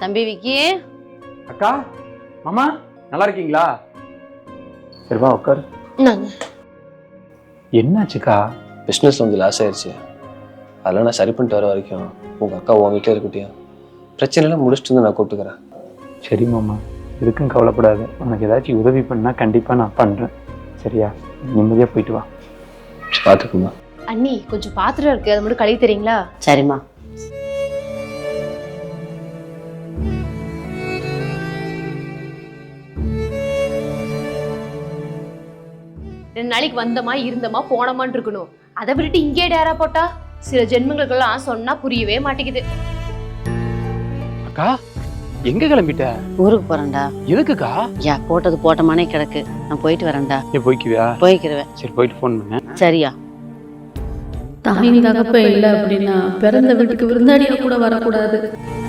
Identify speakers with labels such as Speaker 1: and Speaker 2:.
Speaker 1: தம்பி விக்கி.
Speaker 2: அக்கா, மாமா நல்லா இருக்கீங்களா? சரிவா உட்காரு. என்னாச்சுக்கா?
Speaker 3: பிஸ்னஸ் வந்து லாஸ் ஆயிடுச்சு. அதெல்லாம் நான் சரி பண்ணிட்டு வர வரைக்கும் உங்கள் அக்கா உன் வீட்டில் இருக்கட்டியா? பிரச்சனைலாம் முடிச்சுட்டு வந்து நான் கூப்பிட்டுக்கிறேன்.
Speaker 2: சரி மாமா, எதுக்கும் கவலைப்படாது. உனக்கு ஏதாச்சும் உதவி பண்ணால் கண்டிப்பாக நான் பண்ணுறேன். சரியா? நிம்மதியாக போயிட்டு வா.
Speaker 3: பார்த்துக்குமா.
Speaker 4: அண்ணி கொஞ்சம் பாத்திரம் இருக்கு, அதை மட்டும் கழுவி தரீங்களா?
Speaker 1: சரிம்மா.
Speaker 4: ரெண்டு நாளைக்கு வந்தமா இருந்தமா போனமான்னு இருக்கணும். அதை விட்டுட்டு இங்கே டேரா போட்டா சில ஜென்மங்களுக்கெல்லாம் சொன்னா புரியவே மாட்டேங்குது.
Speaker 2: அக்கா, எங்க கிளம்பிட்ட?
Speaker 1: ஊருக்கு போறேன்டா.
Speaker 2: எதுக்குக்கா?
Speaker 1: யா போட்டது போட்டமானே கிடக்கு. நான் போயிட்டு வரேன்டா.
Speaker 2: நீ போய்க்குவியா?
Speaker 1: போய்க்கிறவேன்.
Speaker 2: சரி, போயிட்டு ஃபோன் பண்ணேன்.
Speaker 1: சரியா?
Speaker 5: தாயின் தகப்ப இல்லை அப்படின்னா பிறந்த வீட்டுக்கு விருந்தாடியா கூட வரக்கூடாது.